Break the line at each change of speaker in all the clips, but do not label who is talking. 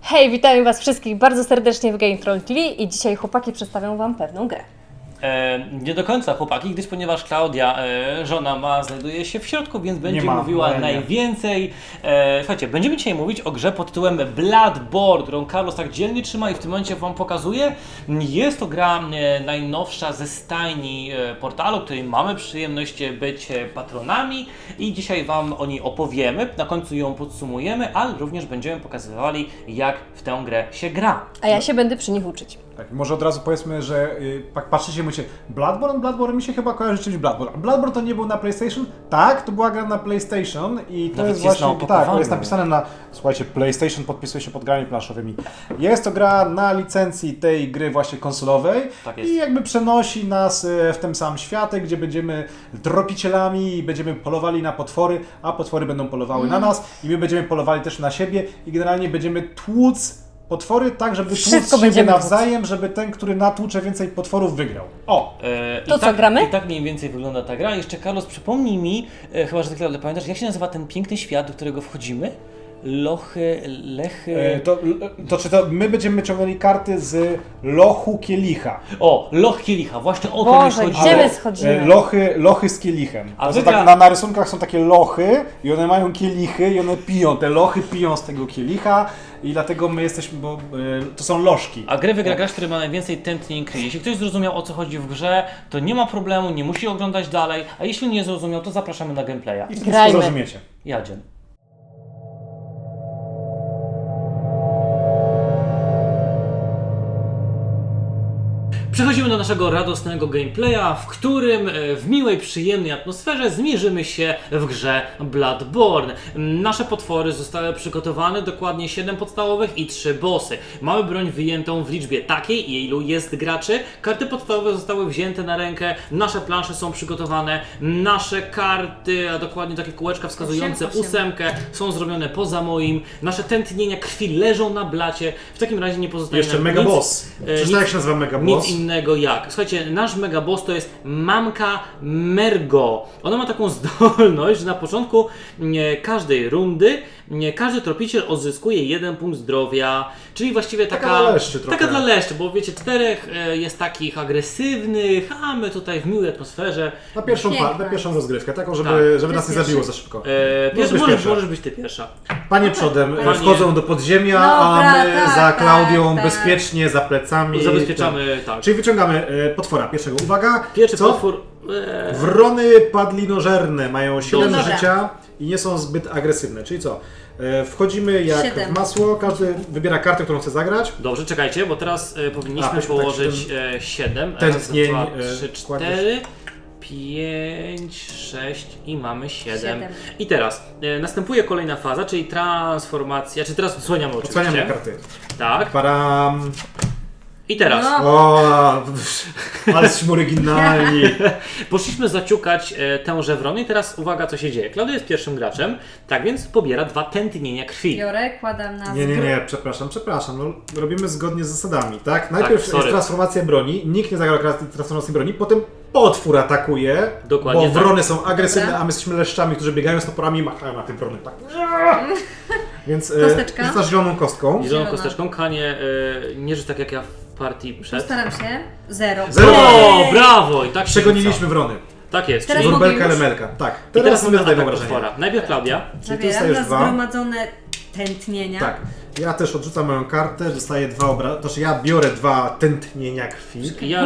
Hej, witamy Was wszystkich bardzo serdecznie w Game Troll TV i dzisiaj chłopaki przedstawią Wam pewną grę.
Nie do końca chłopaki, ponieważ Klaudia, żona znajduje się w środku, więc będzie mówiła najwięcej. Słuchajcie, będziemy dzisiaj mówić o grze pod tytułem Bloodborne, którą Carlos tak dzielnie trzyma i w tym momencie Wam pokazuje. Jest to gra najnowsza ze stajni portalu, której mamy przyjemność być patronami i dzisiaj Wam o niej opowiemy, na końcu ją podsumujemy, ale również będziemy pokazywali, jak w tę grę się gra.
A ja się będę przy nich uczyć.
Tak, może od razu powiedzmy, że patrzycie i mówicie Bloodborne mi się chyba kojarzy czymś Bloodborne. A Bloodborne to nie był na PlayStation? Tak, to była gra na PlayStation i to jest właśnie, tak, to jest napisane na, słuchajcie, PlayStation podpisuje się pod grami planszowymi. Jest to gra na licencji tej gry właśnie konsolowej i jakby przenosi nas w ten sam świat, gdzie będziemy tropicielami i będziemy polowali na potwory, a potwory będą polowały na nas i my będziemy polowali też na siebie i generalnie będziemy tłuc potwory tak, żeby tłuc siebie nawzajem, żeby ten, który natłucze więcej potworów, wygrał. O!
To co, gramy?
I tak mniej więcej wygląda ta gra. Jeszcze Carlos, przypomnij mi, chyba że ty pamiętasz, jak się nazywa ten piękny świat, do którego wchodzimy? Lechy...
To my będziemy ciągnęli karty z lochu kielicha.
O, loch kielicha, właśnie o to mi chodzi.
Gdzie my schodzimy?
Lochy z kielichem.
A
tak, na rysunkach są takie lochy i one mają kielichy i one piją. Te lochy piją z tego kielicha i dlatego my jesteśmy, bo to są lożki.
A grę wygra gracz, który ma najwięcej tętnień krwi. Jeśli ktoś zrozumiał, o co chodzi w grze, to nie ma problemu, nie musi oglądać dalej, a jeśli nie zrozumiał, to zapraszamy na gameplaya.
I wtedy wszystko zrozumiecie.
Jadziem. Przechodzimy do naszego radosnego gameplaya, w którym w miłej, przyjemnej atmosferze zmierzymy się w grze Bloodborne. Nasze potwory zostały przygotowane, dokładnie 7 podstawowych i 3 bossy. Mamy broń wyjętą w liczbie takiej, ilu jest graczy. Karty podstawowe zostały wzięte na rękę, nasze plansze są przygotowane, nasze karty, a dokładnie takie kółeczka wskazujące 8 są zrobione poza moim. Nasze tętnienia krwi leżą na blacie. W takim razie nie pozostaje
jeszcze mega boss. Przecież jak się nazywa mega boss?
Nic innego jak. Słuchajcie, nasz megaboss to jest Mamka Mergo. Ona ma taką zdolność, że na początku każdej rundy każdy tropiciel odzyskuje 1 punkt zdrowia, czyli właściwie taka
dla leszczy trochę.
Taka dla leszczy, bo wiecie, 4 jest takich agresywnych, a my tutaj w miłej atmosferze.
Na pierwszą rozgrywkę, taką, żeby nas nie zabiło za szybko.
Możesz być ty pierwsza.
Panie przodem wchodzą do podziemia, a my za Klaudią bezpiecznie, za plecami.
Zabezpieczamy, tak.
Czyli wyciągamy potwora pierwszego. Uwaga!
Pierwszy potwór.
Wrony padlinożerne mają 7 życia i nie są zbyt agresywne. Czyli co? Wchodzimy jak
7.
w masło, każdy wybiera kartę, którą chce zagrać.
Dobrze, czekajcie, bo teraz powinniśmy położyć 7.
Tętnień,
3, 4, 5, 6 i mamy 7. I teraz następuje kolejna faza, czyli transformacja, czy teraz odsłaniamy oczywiście.
Odsłaniamy karty.
Tak.
Param.
I teraz.
O, ale jesteśmy oryginalni.
Poszliśmy zaciukać tęże wrony i teraz uwaga, co się dzieje. Klaudia jest pierwszym graczem, tak więc pobiera 2 tętnienia krwi.
Biorę, kładam na
Nie, przepraszam. No, robimy zgodnie z zasadami, tak? Najpierw jest transformacja broni, nikt nie zagrał transformacji broni, potem potwór atakuje,
dokładnie,
bo wrony są agresywne, a my jesteśmy leszczami, którzy biegają z toporami i machają na tym wrony. Tak. Więc rzucasz zieloną kostką.
Zieloną kosteczką. Kanie, nie rzuć tak jak ja w partii przed.
Postaram się. 0.
O, brawo! I tak
przegoniliśmy wrony.
Tak jest.
Teraz
Wróbelka, lemelka. Tak.
Teraz sobie zadajmy potwora. Najpierw Klaudia.
Czyli ty dostajesz 2.
Zgromadzone tętnienia.
Tak. Ja też odrzucam moją kartę, dostaję 2 obrazy. Znaczy ja biorę 2 tętnienia krwi.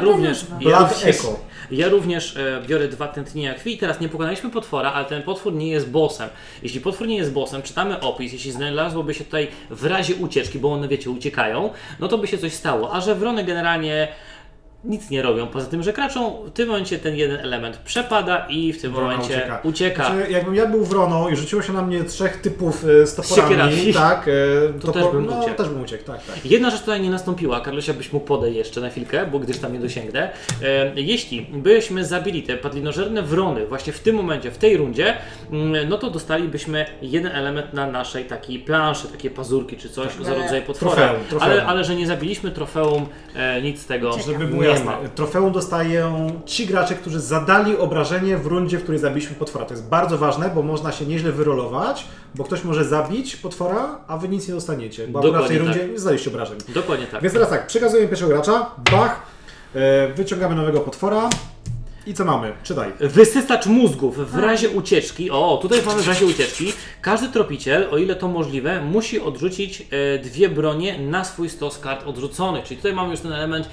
Ja również biorę 2 tętnienia krwi i teraz nie pokonaliśmy potwora, ale ten potwór nie jest bossem. Jeśli potwór nie jest bossem, czytamy opis, jeśli znalazłoby się tutaj w razie ucieczki, bo one wiecie, uciekają, no to by się coś stało, a że wrony generalnie nic nie robią, poza tym, że kraczą, w tym momencie ten jeden element przepada i w tym momencie ucieka.
Znaczy, jakbym ja był wroną i rzuciło się na mnie 3 typów z toporami, tak,
to też bym
uciekł. Tak.
Jedna rzecz tutaj nie nastąpiła, Karlosia byś mógł podejść jeszcze na chwilkę, bo gdyż tam nie dosięgnę. Jeśli byśmy zabili te padlinożerne wrony właśnie w tym momencie, w tej rundzie, no to dostalibyśmy jeden element na naszej takiej planszy, takie pazurki czy coś za rodzaj potwora.
Trofeum.
Ale że nie zabiliśmy trofeum, nic z tego
żeby
teraz
jasne.
ma.
Trofeum dostają ci gracze, którzy zadali obrażenie w rundzie, w której zabiliśmy potwora. To jest bardzo ważne, bo można się nieźle wyrolować, bo ktoś może zabić potwora, a wy nic nie dostaniecie, bo akurat w tej
Dokładnie
rundzie nie zadaliście obrażeń.
Dokładnie tak.
Więc teraz tak, przekazujemy pierwszego gracza, bach, wyciągamy nowego potwora i co mamy? Czytaj.
Wysysacz mózgów w razie ucieczki. O, tutaj mamy w razie ucieczki. Każdy tropiciel, o ile to możliwe, musi odrzucić 2 bronie na swój stos kart odrzuconych. Czyli tutaj mamy już ten element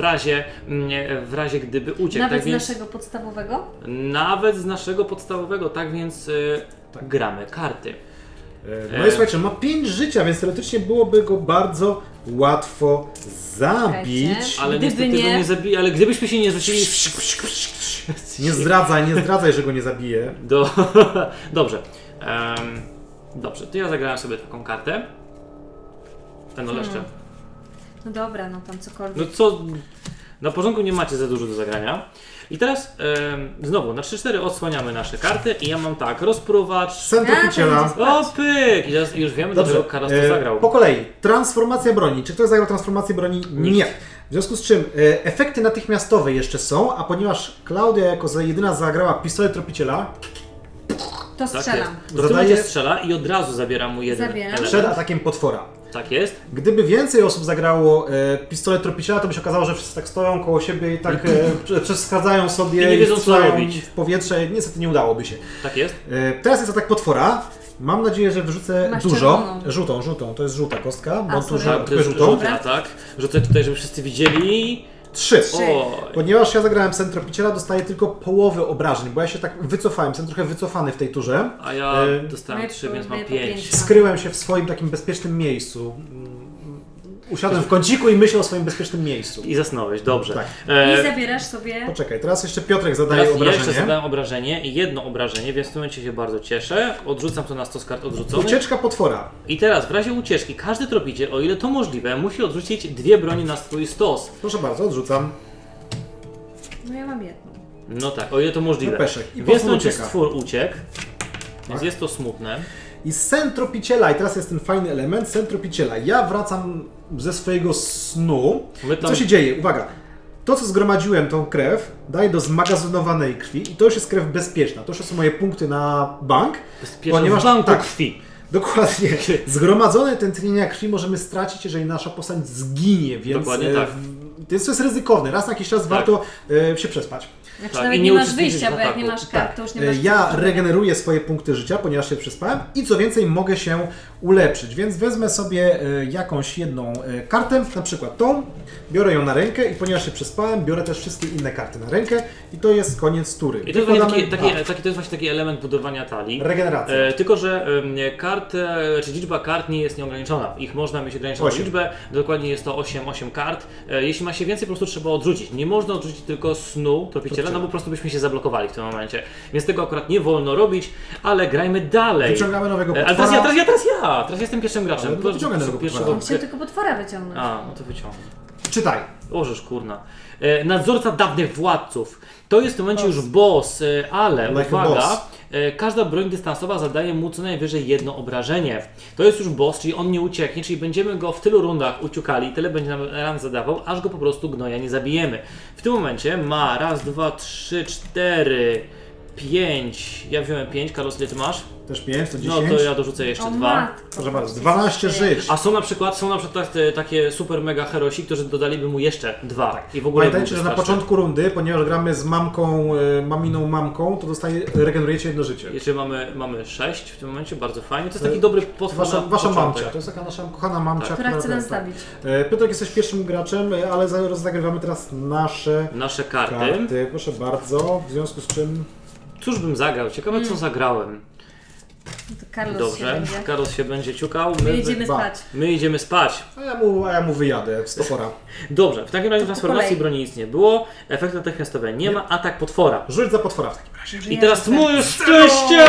w razie gdyby uciekł.
Nawet
tak
z
więc,
naszego podstawowego?
Nawet z naszego podstawowego, tak więc gramy karty.
No i słuchajcie, ma 5 życia, więc teoretycznie byłoby go bardzo łatwo zabić.
Czekajcie.
Ale
Gdyby
niestety
nie-
go nie zabije, ale gdybyśmy się nie rzucili...
Nie zdradzaj, że go nie zabije.
Dobrze. Dobrze, to ja zagrałem sobie taką kartę. Ten oleszcze.
No dobra, no tam
No
cokolwiek.
co, na porządku nie macie za dużo do zagrania. I teraz znowu na 3-4 odsłaniamy nasze karty i ja mam tak, rozpruwacz.
Sen tropiciela.
O pyk! I teraz już wiemy, dlaczego Karas to zagrał.
Po kolei, transformacja broni. Czy ktoś zagrał transformację broni? Nie. W związku z czym efekty natychmiastowe jeszcze są, a ponieważ Klaudia jako jedyna zagrała pistolet tropiciela,
To
Tak
strzelam.
jest. W tym
Zadaje-
momencie strzela i od razu zabieram mu jeden
Zabieram.
element.
przed atakiem potwora.
Tak jest.
Gdyby więcej osób zagrało pistolet tropiciela, to by się okazało, że wszyscy tak stoją koło siebie i tak przeszkadzają sobie
I nie wiedzą, co
strzelają
robić.
w powietrze. Niestety nie udałoby się.
Tak jest.
Teraz jest atak potwora. Mam nadzieję, że wyrzucę
Masz
dużo.
czerwoną.
Żółtą. To jest żółta kostka. Bo tu
sorry.
To jest
żółtą.
żółty atak. Rzucę tutaj, żeby wszyscy widzieli.
3.
O,
Ponieważ ja zagrałem sen tropiciela, dostaję tylko połowę obrażeń, bo ja się tak wycofałem, jestem trochę wycofany w tej turze.
a ja dostałem
Moje
3, więc mam
po
5.
pięć.
Skryłem się w swoim takim bezpiecznym miejscu. Usiadłem w kąciku i myślę o swoim bezpiecznym miejscu.
I zasnąłeś, dobrze.
Tak.
I zabierasz sobie...
Poczekaj, teraz jeszcze Piotrek zadaje
Teraz ja jeszcze
obrażenie.
zadałem obrażenie, jedno obrażenie, więc w tym momencie się bardzo cieszę. Odrzucam to na stos kart odrzuconych.
Ucieczka potwora.
I teraz w razie ucieczki każdy tropiciel, o ile to możliwe, musi odrzucić 2 broni na swój stos.
Proszę bardzo, odrzucam.
No ja mam jedną.
No tak, o ile to możliwe.
No peszek. I
Więc w
potwór
tym momencie
ucieka.
stwór uciekł. Więc
Tak.
jest to smutne.
I sen tropiciela, i teraz jest ten fajny element, sen tropiciela. Ja wracam ze swojego snu.
My tam-
Co się dzieje? Uwaga. To, co zgromadziłem, tą krew, daję do zmagazynowanej krwi i to już jest krew bezpieczna. To już są moje punkty na bank.
Ponieważ w banku
tak,
krwi.
dokładnie. Zgromadzone tętnienia krwi możemy stracić, jeżeli nasza postać zginie, więc
Dokładnie tak.
to jest ryzykowne. Raz na jakiś czas warto się przespać.
Znaczy
Tak,
nawet
i
nie
nie
masz
uczestniczyć
wyjścia,
w
bo jak
ataku.
nie masz kart, to już nie masz...
Ja regeneruję swoje punkty życia, ponieważ się przespałem i co więcej mogę się ulepszyć, więc wezmę sobie jakąś jedną kartę, na przykład tą, biorę ją na rękę i ponieważ się przespałem, biorę też wszystkie inne karty na rękę i to jest koniec tury.
I to jest, właśnie
Wykładamy-
to jest właśnie taki element budowania talii.
Regeneracja.
Tylko, że czy liczba kart nie jest nieograniczona. Ich można mieć ograniczoną
8.
liczbę. Dokładnie jest to 8 kart. Jeśli ma się więcej, po prostu trzeba odrzucić. Nie można odrzucić tylko snu tropiciela, no bo po prostu byśmy się zablokowali w tym momencie. Więc tego akurat nie wolno robić, ale grajmy dalej.
Wyciągamy nowego
Ale
potwora.
teraz jestem pierwszym graczem.
Ale no wyciągaj nowego potwora.
Chciał tylko potwora wyciągnąć.
A, no to wyciągnę.
Czytaj.
Ożeż kurna. Nadzorca dawnych władców. To jest w tym momencie już boss, ale
Like a
uwaga,
boss.
każda broń dystansowa zadaje mu co najwyżej jedno obrażenie. To jest już boss, czyli on nie ucieknie, czyli będziemy go w tylu rundach uciukali, tyle będzie nam ran zadawał, aż go po prostu gnoja nie zabijemy. W tym momencie ma raz, dwa, trzy, cztery, 5. Ja wziąłem 5, Karol, ile ty masz?
Też 5, to 10.
No to ja dorzucę jeszcze
O
2.
matko.
Proszę bardzo, 12 żyć.
A są na przykład takie super mega herosi, którzy dodaliby mu jeszcze 2. I w ogóle
Pamiętajcie,
byłby
że na
straszny.
początku rundy, ponieważ gramy z mamką, maminą mamką, to regenerujecie jedno życie.
Jeszcze mamy 6 w tym momencie, bardzo fajnie. To jest taki dobry potwór
Wasza
na początek.
mamcia, to jest taka nasza kochana mamcia,
Która chce nas
tak.
zabić.
Piotrek, jesteś pierwszym graczem, ale zagrywamy teraz
Nasze karty.
karty. Proszę bardzo, w związku z czym...
Cóż bym zagrał? Ciekawe co zagrałem.
No to Carlos się
Dobrze,
będzie.
Karol się będzie ciukał.
My idziemy
dwa.
spać.
My idziemy spać.
A ja mu wyjadę z topora.
Dobrze, w takim razie
po
transformacji
kolei.
broni nic nie było. Efekt natychmiastowy nie ma. Atak potwora.
Rzuć za potwora w takim razie.
I teraz moje szczęście!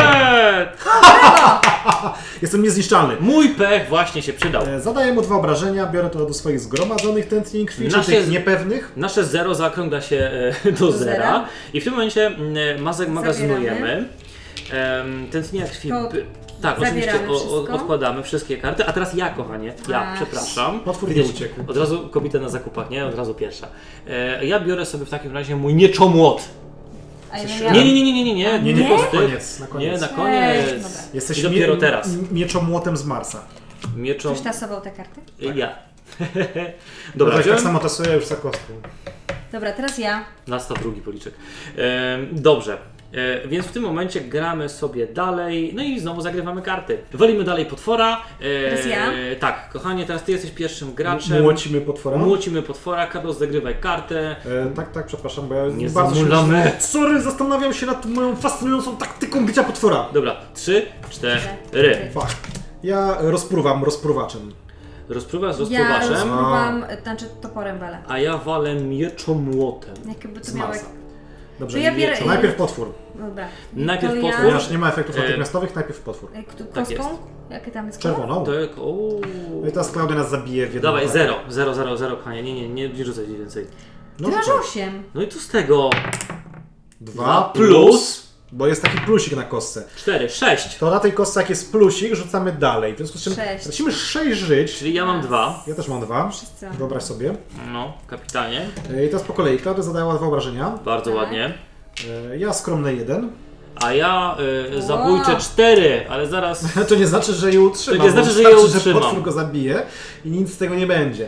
Jestem niezniszczalny.
Mój pech właśnie się przydał.
Zadaję mu 2 obrażenia, biorę to do swoich zgromadzonych tętnień krwi, czy
Nasze
tych niepewnych.
Nasze 0 zaokrągla się do zera
zera.
i w tym momencie magazynujemy tętnienia krwi.
To
Tak,
Zabieramy
oczywiście
wszystko.
odkładamy wszystkie karty, a teraz ja, kochanie,
A.
przepraszam.
Potwór nie
Widzisz,
uciekł.
Od razu kobieta na zakupach, nie? Od razu pierwsza. Ja biorę sobie w takim razie mój mieczomłot.
A ja
Nie,
Nie,
tylko
na
z tych.
koniec, na koniec.
Nie, na koniec.
Dobra.
Jesteś
I dopiero teraz.
mieczomłotem z Marsa.
Mieczom...
Ktoś tasował te karty?
Ja.
Dobra,
Dobra,
tak
wziąłem
samo tasuję już za kostką.
Dobra, teraz ja.
Nastaw drugi policzek. Dobrze. Więc w tym momencie gramy sobie dalej, no i znowu zagrywamy karty. Walimy dalej potwora.
Teraz ja?
Tak, kochanie, teraz ty jesteś pierwszym graczem.
Młocimy potwora.
Młocimy potwora, Carlos, zagrywaj kartę.
Tak, przepraszam, bo ja
Nie
bardzo
zamulamy.
Sorry, zastanawiam się nad moją fascynującą taktyką bicia potwora.
Dobra, 3, 4.
Fuck. Ja rozpruwam rozpruwaczem.
Rozpruwasz z
Ja
rozpruwaczem,
rozpruwam, znaczy toporem walę.
a ja walę mieczomłotem.
Jakby to
Z
miało...
Marsa. Dobrze,
To ja biorę-
najpierw potwór.
Dobra.
Najpierw
To
potwór.
Ponieważ nie ma efektów
E,
natychmiastowych, najpierw potwór.
Tak jest.
Kostką? Jakie tam jest kolor?
Czerwoną.
Tak,
No i teraz Klaudia nas zabije w jednym
Dawaj,
ataku.
0, kochanie, nie rzucaj więcej.
No,
Ty masz
rzucaj.
8.
No i co z tego?
2
plus,
bo jest taki plusik na kostce.
4, 6.
To na tej kostce jak jest plusik, rzucamy dalej. W związku z czym
6.
tracimy 6 żyć.
Czyli ja mam 2.
Ja też mam 2.
Wszyscy.
Wyobraź sobie.
No, kapitalnie.
I teraz po kolei. Klaudia zadała 2 obrażenia.
Bardzo
Tak.
ładnie.
Ja skromny 1.
A ja zabójcze 4, ale zaraz...
To nie znaczy, że je utrzymam.
To nie znaczy,
bo
że je
wystarczy,
utrzymam.
że potwór go zabije i nic z tego nie będzie.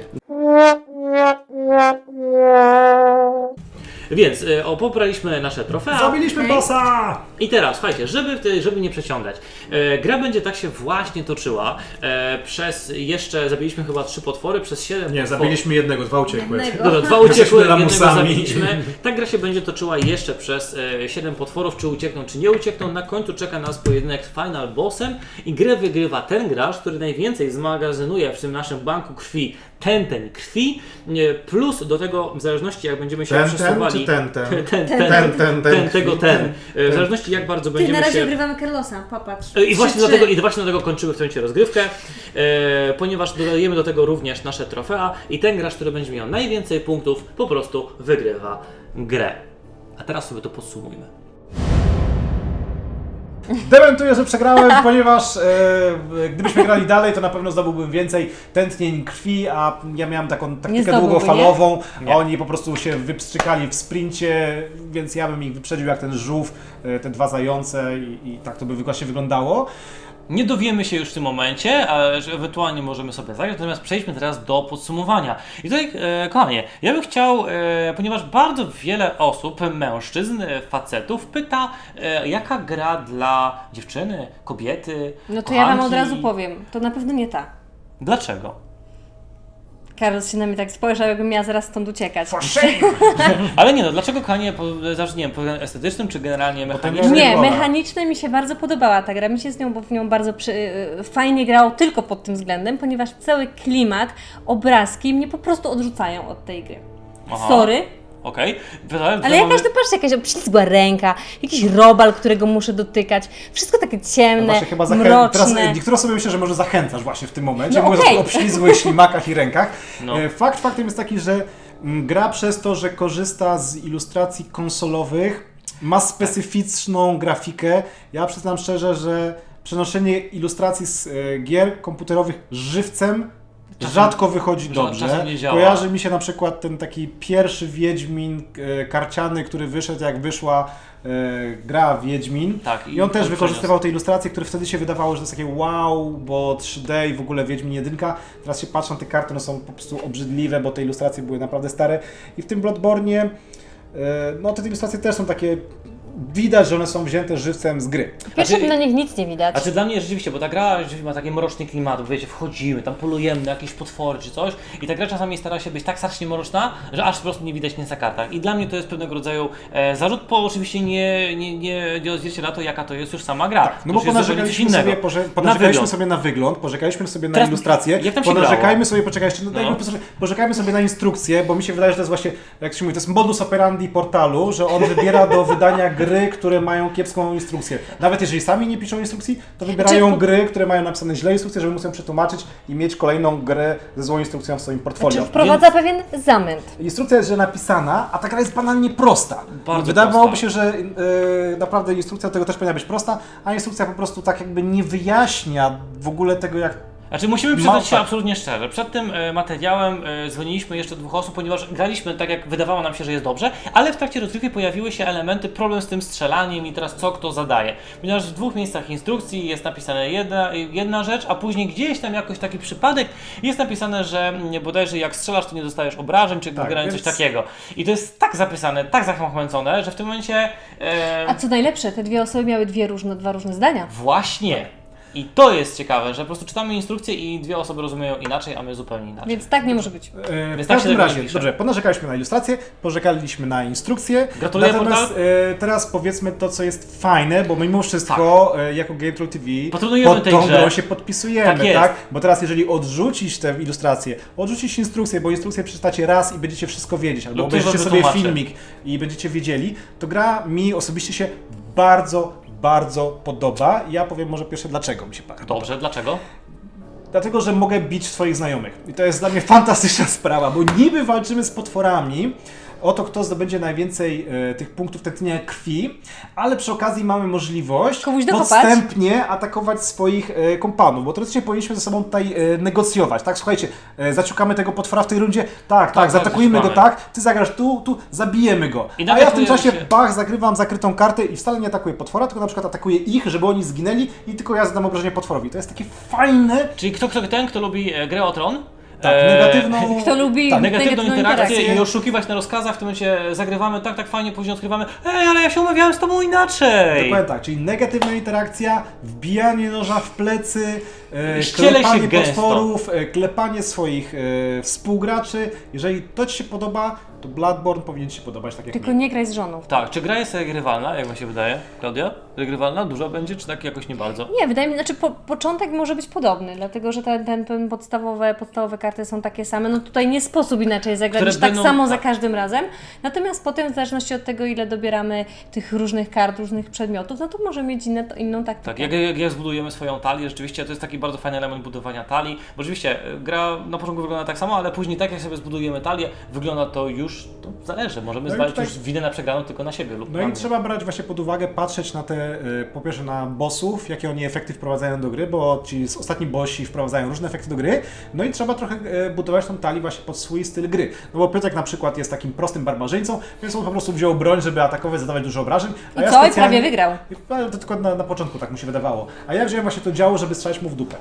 Więc pobraliśmy nasze trofea.
Zabiliśmy
Okej.
bossa!
I teraz, słuchajcie, żeby nie przeciągać. Gra będzie tak się właśnie toczyła. Jeszcze zabiliśmy chyba 3 potwory, przez 7
Nie,
potworów.
zabiliśmy jednego, 2 uciekły.
Jednego.
Dobra, 2
Jesteśmy
uciekły, jednego
lamusami.
zabiliśmy. Ta gra się będzie toczyła jeszcze przez 7 potworów, czy uciekną, czy nie uciekną. Na końcu czeka nas pojedynek z final bossem i grę wygrywa ten gracz, który najwięcej zmagazynuje w tym naszym banku krwi ten krwi, plus do tego, w zależności jak będziemy się przesuwali...
czy ten?
W zależności jak bardzo
Ty,
będziemy
na razie
się...
ogrywamy Carlosa, popatrz.
I właśnie
3-3.
dlatego kończymy w tym momencie rozgrywkę, ponieważ dodajemy do tego również nasze trofea i ten gracz, który będzie miał najwięcej punktów, po prostu wygrywa grę. A teraz sobie to podsumujmy.
Dementuję, że przegrałem, ponieważ gdybyśmy grali dalej, to na pewno zdobyłbym więcej tętnień krwi, a ja miałem taką taktykę
zdobyłby,
długofalową,
nie?
a oni po prostu się wypstrzykali w sprincie, więc ja bym ich wyprzedził jak ten żółw, te 2 zające i tak to by właśnie wyglądało.
Nie dowiemy się już w tym momencie, ale że ewentualnie możemy sobie zagrać, natomiast przejdźmy teraz do podsumowania. I tutaj, kochanie, ja bym chciał, ponieważ bardzo wiele osób, mężczyzn, facetów pyta, jaka gra dla dziewczyny, kobiety,
No to ja wam od
kochanki?
razu powiem, to na pewno nie ta.
Dlaczego?
Carlos się na mnie tak spojrzał, jakbym miała zaraz stąd uciekać.
Ale nie no, dlaczego kochanie, zawsze nie wiem, pod względem estetycznym, czy generalnie mechanicznym?
Nie,
Wola.
mechanicznie mi się bardzo podobała ta gra. Mi się z nią, bo w nią bardzo fajnie grało tylko pod tym względem, ponieważ cały klimat, obrazki mnie po prostu odrzucają od tej gry.
Aha.
Sorry,
Okej.
ale jakaś to patrzcie, jakaś obślizgła ręka, jakiś robal, którego muszę dotykać. Wszystko takie ciemne,
Właśnie chyba
mroczne.
teraz niektóre osoby myślę, że może zachęcasz właśnie w tym momencie,
No
mówiąc
okej.
o obślizgłych ślimakach i rękach.
No.
Faktem jest taki, że gra przez to, że korzysta z ilustracji konsolowych, ma specyficzną grafikę. Ja przyznam szczerze, że przenoszenie ilustracji z gier komputerowych żywcem rzadko wychodzi dobrze.
czasem nie działa.
Kojarzy mi się na przykład ten taki pierwszy Wiedźmin karciany, który wyszedł jak wyszła gra Wiedźmin.
Tak,
I on też
on
wykorzystywał te ilustracje, które wtedy się wydawało, że to jest takie wow, bo 3D i w ogóle Wiedźmin 1. Teraz się patrzą na te karty, one są po prostu obrzydliwe, bo te ilustracje były naprawdę stare. I w tym Bloodborne'ie, no te ilustracje też są takie, widać, że one są wzięte żywcem z gry.
Pierwsze
Znaczy-
na nich nic nie widać.
A czy dla mnie rzeczywiście, bo ta gra rzeczywiście ma taki mroczny klimat, wiecie, wchodzimy, tam polujemy na jakieś potwory czy coś i ta gra czasami stara się być tak strasznie mroczna, że aż po prostu nie widać nic na kartach. I dla mnie to jest pewnego rodzaju zarzut, bo oczywiście nie odzwierciedla to, jaka to jest już sama gra.
No bo
To już jest zupełnie coś
ponarzekaliśmy
innego.
sobie,
Na
ponarzekaliśmy
wygląd.
sobie na wygląd, poczekaliśmy sobie na
Teraz
ilustrację,
jak tam się
ponarzekajmy
grało?
sobie, poczekajcie, poczekajmy sobie na instrukcję, bo mi się wydaje, że to jest właśnie, jak się mówi, to jest modus operandi portalu, że on wybiera do wydania gry gry, które mają kiepską instrukcję. Nawet jeżeli sami nie piszą instrukcji, to wybierają gry, które mają napisane źle instrukcje, żeby móc ją przetłumaczyć i mieć kolejną grę ze złą instrukcją w swoim portfolio.
Czy wprowadza pewien zamęt.
Instrukcja jest źle napisana, a ta gra jest banalnie prosta.
Bardzo
Wydawałoby
prosta.
się, że naprawdę instrukcja do tego też powinna być prosta, a instrukcja po prostu tak jakby nie wyjaśnia w ogóle tego, jak...
Znaczy musimy przyznać się
tak.
absolutnie szczerze. Przed tym materiałem dzwoniliśmy jeszcze 2 osób, ponieważ graliśmy tak, jak wydawało nam się, że jest dobrze, ale w trakcie rozgrywki pojawiły się elementy, problem z tym strzelaniem i teraz co kto zadaje. Ponieważ w 2 miejscach instrukcji jest napisane jedna rzecz, a później gdzieś tam jakoś taki przypadek jest napisane, że bodajże jak strzelasz, to nie dostajesz obrażeń, czy generalnie
więc-
coś takiego. I to jest tak zapisane, tak zachmęcone, że w tym momencie...
A co najlepsze, te 2 osoby miały dwa różne zdania.
Właśnie. I to jest ciekawe, że po prostu czytamy instrukcję i 2 osoby rozumieją inaczej, a my zupełnie inaczej.
Więc tak nie może być.
W
tak się
każdym
tego
razie,
nie pisze.
dobrze, ponarzekaliśmy na ilustrację, pożekaliśmy na instrukcję.
Gratuluję,
Natomiast
portal.
teraz powiedzmy to, co jest fajne, bo mimo wszystko jako GameTroll TV
Patronujemy
pod
tej
tą
grze.
grą się podpisujemy,
Tak jest.
tak? Bo teraz jeżeli odrzucić tę ilustrację, odrzucić instrukcję, bo instrukcję przeczytacie raz i będziecie wszystko wiedzieć, albo
Lub ktoś
obejrzycie
wam
sobie
wytłumaczy.
filmik i będziecie wiedzieli, to gra mi osobiście się bardzo podoba. Ja powiem może pierwsze dlaczego mi się bardzo
Dobrze, dlaczego?
Dlatego, że mogę bić swoich znajomych. I to jest dla mnie fantastyczna sprawa, bo niby walczymy z potworami o to, kto zdobędzie najwięcej tych punktów tętnienia krwi, ale przy okazji mamy możliwość
Komuś dokopać.
podstępnie atakować swoich kompanów, bo teoretycznie powinniśmy ze sobą tutaj negocjować, tak? Słuchajcie, zaciukamy tego potwora w tej rundzie, tak, zaatakujmy go,
zaciukamy.
tak, ty zagrasz tu, zabijemy go.
I
A ja w tym
nawiasujemy
czasie,
się.
zagrywam zakrytą kartę i wcale nie atakuję potwora, tylko na przykład atakuję ich, żeby oni zginęli i tylko ja zadam obrażenie potworowi. To jest takie fajne.
Czyli kto lubi grę o Tron?
Tak, negatywną...
Kto lubi
Tak,
Negatywną interakcję
interakcję.
i oszukiwać na rozkazach, w tym momencie zagrywamy tak fajnie, później odkrywamy ale ja się umawiałem z tobą inaczej!
Dokładnie tak, czyli negatywna interakcja, wbijanie noża w plecy,
Ściele się
klepanie
gęsto.
potworów, klepanie swoich współgraczy. Jeżeli to Ci się podoba, to Bloodborne powinien Ci się podobać tak jak
Tylko
mi.
nie graj z żoną.
Tak, czy gra jest regrywalna, jak wam się wydaje? Klaudia? Regrywalna? Duża będzie, czy tak jakoś nie bardzo?
Nie, wydaje mi się, znaczy początek może być podobny, dlatego że ten podstawowe karty są takie same. No tutaj nie sposób inaczej zagrać
Które
niż tak
będą-
samo za
tak.
każdym razem. Natomiast potem w zależności od tego, ile dobieramy tych różnych kart, różnych przedmiotów, no to może mieć inną taktykę.
Tak, jak zbudujemy swoją talię, rzeczywiście to jest taki bardzo fajny element budowania talii, bo rzeczywiście gra na początku wygląda tak samo, ale później tak jak sobie zbudujemy talię, wygląda to już, to zależy, możemy
No i
zwalić
tutaj-
już winę na przegraną tylko na siebie lub
No
na
i
mnie.
trzeba brać właśnie pod uwagę, patrzeć na te, po pierwsze na bossów, jakie oni efekty wprowadzają do gry, bo ci ostatni bossi wprowadzają różne efekty do gry, no i trzeba trochę budować tą talię właśnie pod swój styl gry. No bo Piotrek na przykład jest takim prostym barbarzyńcą, więc on po prostu wziął broń, żeby atakować, zadawać dużo obrażeń. A
I
ja
co? I
specjalnie-
prawie wygrał.
To tylko na początku tak mu się wydawało. A ja wziąłem właśnie to działo, żeby strzelać mu w dupę.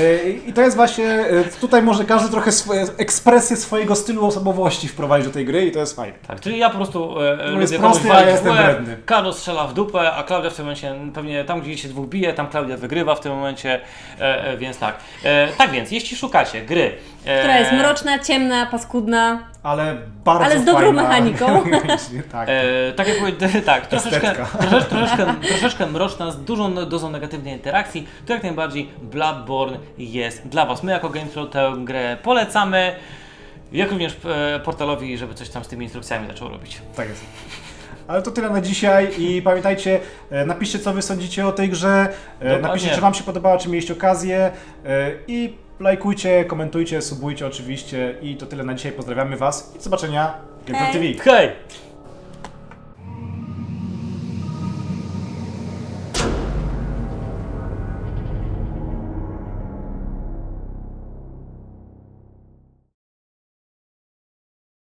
I to jest właśnie, tutaj może każdy trochę ekspresję swojego stylu osobowości wprowadzić do tej gry i to jest fajne.
Tak, czyli ja po prostu
jest
lubię
prosty,
komuś
a ja
walić w
jestem
łeb,
wredny.
Karol strzela w dupę, a Klaudia w tym momencie pewnie tam, gdzie się 2 bije, tam Klaudia wygrywa w tym momencie, więc tak. Tak więc, jeśli szukacie gry,
Która jest mroczna, ciemna, paskudna.
Ale bardzo
Ale z dobrą
fajna.
mechaniką.
tak.
tak jak powiedziałem, tak,
Estetka.
troszeczkę mroczna, z dużą dozą negatywnej interakcji, to jak najbardziej Bloodborne jest dla Was. My jako GameTroll tę grę polecamy, jak również portalowi, żeby coś tam z tymi instrukcjami zaczął robić.
Tak jest. Ale to tyle na dzisiaj i pamiętajcie, napiszcie co wy sądzicie o tej grze,
Dokładnie.
napiszcie czy wam się podobała, czy mieliście okazję i lajkujcie, komentujcie, subujcie oczywiście i to tyle na dzisiaj. Pozdrawiamy was i do zobaczenia w GameTroll
Hej.
TV.
Hej!